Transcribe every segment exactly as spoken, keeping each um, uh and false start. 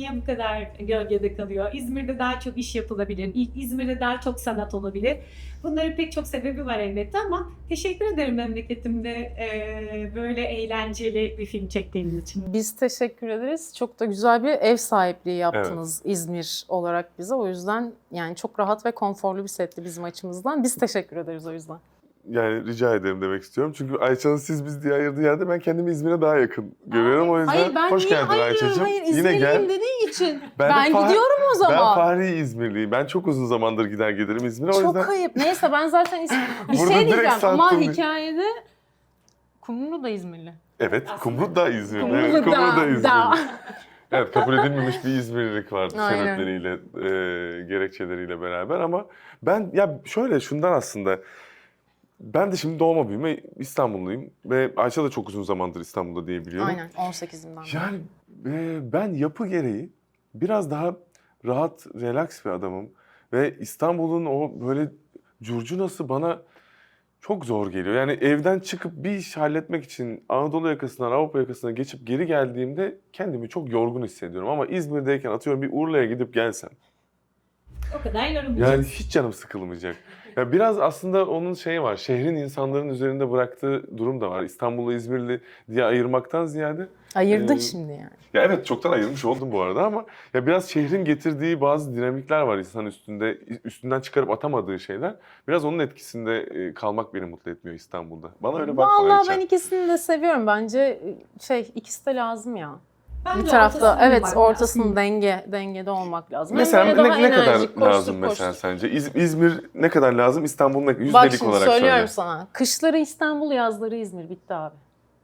niye bu kadar gölgede kalıyor? İzmir'de daha çok iş yapılabilir. İ- İzmir'de daha çok sanat olabilir. Bunların pek çok sebebi var elbette ama teşekkür ederim memleketimde e, böyle eğlenceli bir film çektiğiniz için. Biz teşekkür ederiz. Çok da güzel bir ev sahipliği yaptınız İzmir olarak bize. O yüzden yani çok rahat ve konforlu bir setti bizim açımızdan. Biz teşekkür ederiz o yüzden. Yani rica ederim demek istiyorum. Çünkü Ayça'nın siz biz diye ayırdığı yerde ben kendimi İzmir'e daha yakın görüyorum. O yüzden Hayır ben hoş niye geldin ayırıyorum? Ayça'cığım. Hayır Yine İzmirliyim gel. dediği için. Ben Ben, de Fah- gidiyorum o Ben zaman. Fahri İzmirliyim. Ben çok uzun zamandır gider gelirim İzmir'e. O Çok yüzden ayıp. Neyse ben zaten İzmir... bir Burada şey direkt diyeceğim ama sattım. hikayede Kumru da İzmirli. evet, Kumru da İzmirli. Kumru Evet, da- Kumru da İzmirli. da. Evet, kabul edilmemiş bir İzmirlilik vardı Aynen. sebepleriyle, e, gerekçeleriyle beraber ama ben ya şöyle şundan aslında ben de şimdi doğma büyüme İstanbulluyum ve Ayça da çok uzun zamandır İstanbul'da diye biliyorum. Aynen on sekizimden beri. Yani e, ben yapı gereği biraz daha rahat, relax bir adamım ve İstanbul'un o böyle curcunası bana çok zor geliyor. Yani evden çıkıp bir iş halletmek için Anadolu yakasından Avrupa yakasına geçip geri geldiğimde kendimi çok yorgun hissediyorum. Ama İzmir'deyken atıyorum bir Urla'ya gidip gelsem. O kadar yorumlayacağız. Yani hiç canım sıkılmayacak. Ya biraz aslında onun şeyi var. Şehrin insanların üzerinde bıraktığı durum da var. İstanbul'u İzmirli diye ayırmaktan ziyade. Ayırdın Ee, şimdi yani. Ya evet çoktan ayırmış oldum bu arada ama ya biraz şehrin getirdiği bazı dinamikler var insan üstünde üstünden çıkarıp atamadığı şeyler. Biraz onun etkisinde e, kalmak beni mutlu etmiyor İstanbul'da. Bana öyle bakma Vallahi Ayça. ben ikisini de seviyorum. Bence şey ikisi de lazım ya. Bence Bir tarafta ortasını evet bulmak ortasının lazım. denge dengede olmak lazım. Mesela Hem ne, böyle daha ne kadar enerjik, koştur, lazım mesela koştur. sence? İz- İzmir ne kadar lazım? İstanbul ne yüzdelik Bak şimdi olarak söylüyorum söyle. sana. Kışları İstanbul, yazları İzmir. Bitti abi.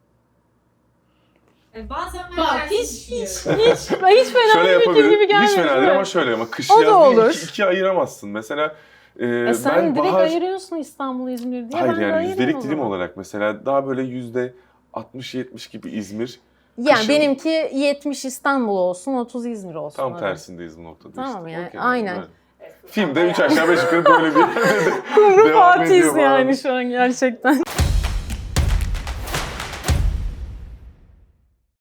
Yani bazen ben Bak tersini hiç hiç düşünüyorum. hiç hiç hiç fena Şöyle bir fikir gibi yapabilirim. gelmiyor. Hiç fena değil değil ama mi? şöyle ama kış O da yaz diye olur. iki, ikiye ayıramazsın. Mesela e, E sen ben direkt bahar... ayırıyorsun İstanbul, İzmir diye. Hayır ben de yani ayırayım yüzdelik o dilim zaman. olarak mesela daha böyle yüzde altmış yetmiş gibi İzmir. Yani Kışın- benimki yetmiş İstanbul olsun, otuz İzmir olsun. Tam öyle. tersindeyiz bu noktada Tamam işte. yani, Okey, aynen. evet. Filmde üç aşağı beş yukarı böyle bir Kumru devam ediyor Fatih'iz falan. yani şu an gerçekten.